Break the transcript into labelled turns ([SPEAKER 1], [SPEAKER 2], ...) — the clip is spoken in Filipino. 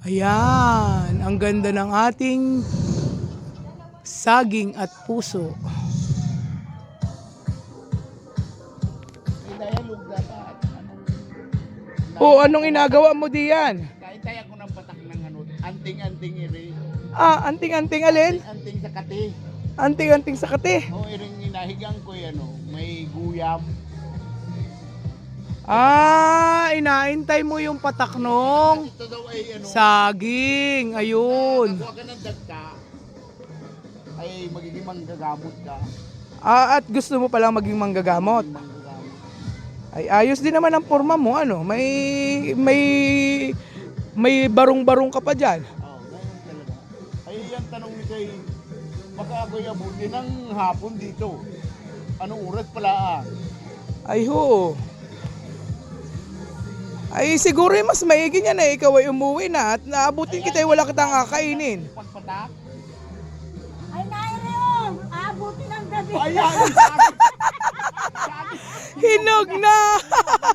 [SPEAKER 1] Ayan, ang ganda ng ating saging at puso.
[SPEAKER 2] May dialog dapat.
[SPEAKER 1] O, anong inagawa mo diyan?
[SPEAKER 2] Kahit tayo ko ng patak ng ano, anting-anting iri.
[SPEAKER 1] Anting-anting alin?
[SPEAKER 2] Anting sa kati.
[SPEAKER 1] Anting-anting sa kate.
[SPEAKER 2] O iring inahigang ko ano, may guyam.
[SPEAKER 1] Inaintay mo yung patak nung
[SPEAKER 2] Ito daw ay ano,
[SPEAKER 1] saging. Ayun.
[SPEAKER 2] nakuha ka ng dagka, ay magiging manggagamot ka.
[SPEAKER 1] At gusto mo palang maging manggagamot.
[SPEAKER 2] Manggagamot.
[SPEAKER 1] Ay, ayos din naman ang forma mo, ano? May barong-barong ka pa diyan.
[SPEAKER 2] Oo, ganyan talaga. Ay, yung tanong ni kay, baka ako'y abutin ng hapon dito. Anong oras pala
[SPEAKER 1] Ay, ho. Ay, siguro mas maigi niya na ikaw ay umuwi na at naabutin kita ay wala kitang kakainin.
[SPEAKER 2] Pagpatak?
[SPEAKER 3] Ay, Naireo! Aabutin ang gabi.
[SPEAKER 2] Ayan! Sabi!
[SPEAKER 1] Hinog na!